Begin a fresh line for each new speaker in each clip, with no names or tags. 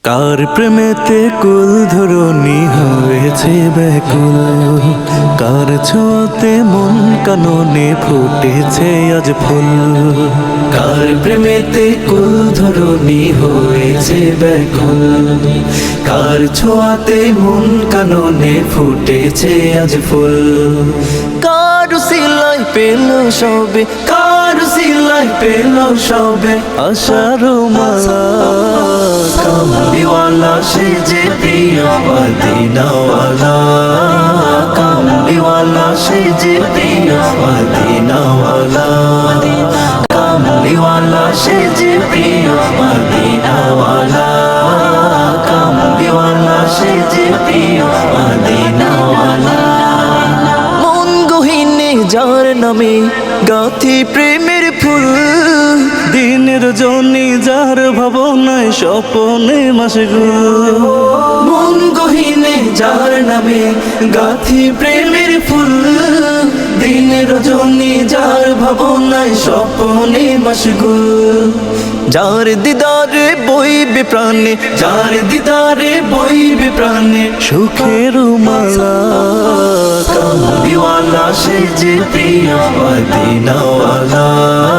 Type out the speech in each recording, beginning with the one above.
কার প্রেমেতে কুল ধরণী হয়েছে ব্যাকুল, কার ছোঁয়াতে মন কাননে ফুটেছে আজ ফুল। কার প্রেমেতে কুল ধরণী হয়েছে ব্যাকুল, কার ছোঁয়াতে মন কাননে ফুটেছে আজ ফুল। কার সিলাই পেল সবে, কার সিলাই পেল সবে আশার মালা। কামলিওয়ালা সে যে প্রিয় মদিনাওয়ালা, কামলিওয়ালা সে যে প্রিয় মদিনাওয়ালা, কামলিওয়ালা সে যে প্রিয় মদিনাওয়ালা, কামলিওয়ালা সে যে প্রিয় মদিনাওয়ালা। মন গহীনে যার নামে গাথি প্রেমের ফুল, দিনের জনি যার ভাবনায় স্বপনে মাসগুল। মন গহীনে যার নামে গাথি প্রেমের ফুল, দিনের জনি যার ভাবনায় স্বপনে মাসগুল। যার দিদারে বইবে প্রাণে, যার দিদারে বইবে প্রাণে সুখের মালা। কামলিওয়ালা সে যে প্রিয় মদিনাওয়ালা,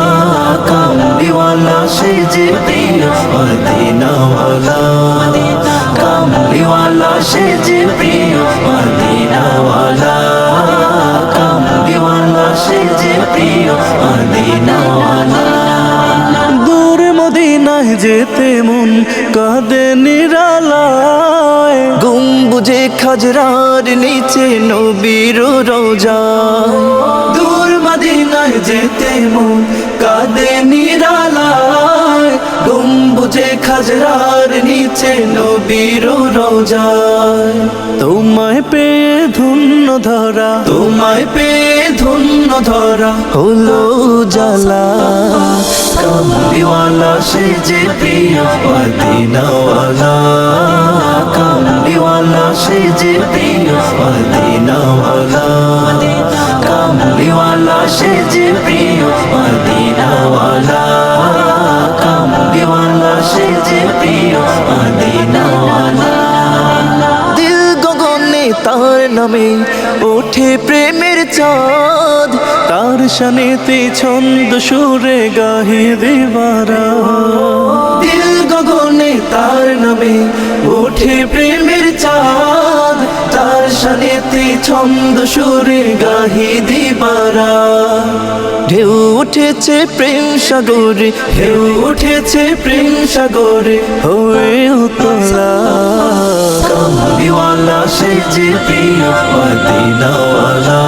কামলিওয়ালা সে যে প্রিয় মদিনাওয়ালা, কামলিওয়ালা সে যে প্রিয় মদিনাওয়ালা, কামলিওয়ালা সে যে প্রিয় মদিনাওয়ালা। দূর মদিনায় যেতে মন কাঁদে নিরালায়, গম্বুজে খাজরার নিচে নবীর রওজা। দূর মদিনায় যেতে মন কাঁদে নিরালায়, গম্বুজে খাজরার নিচে নবীর রওজা। তোমায় পেয়ে ধন্য ধরা, তোমায় পেয়ে ধন্য ধরা হলো জালা। কামলিওয়ালা সে যে প্রিয় মদিনাওয়ালা, কামলিওয়ালা সে যে প্রিয় মদিনাওয়ালা, কামলিওয়ালা সে যে প্রিয় মদিনাওয়ালা, কামলিওয়ালা সে যে প্রিয় মদিনাওয়ালা। দিল গগনে তার নামে ওঠে প্রেমের চাঁদ, তার শানেতে ছন্দ সুরে গাহে দেবারা। দিল গগনে তার নামে ওঠে প্রেমের চাঁদ, তার শানেতে ছন্দ সুরে গাহে দেবারা। ঢেউ উঠেছে প্রেম সাগরে, ঢেউ উঠেছে প্রেম সাগরে হয়ে উতলা। কামলিওয়ালা সে যে প্রিয় মদিনাওয়ালা,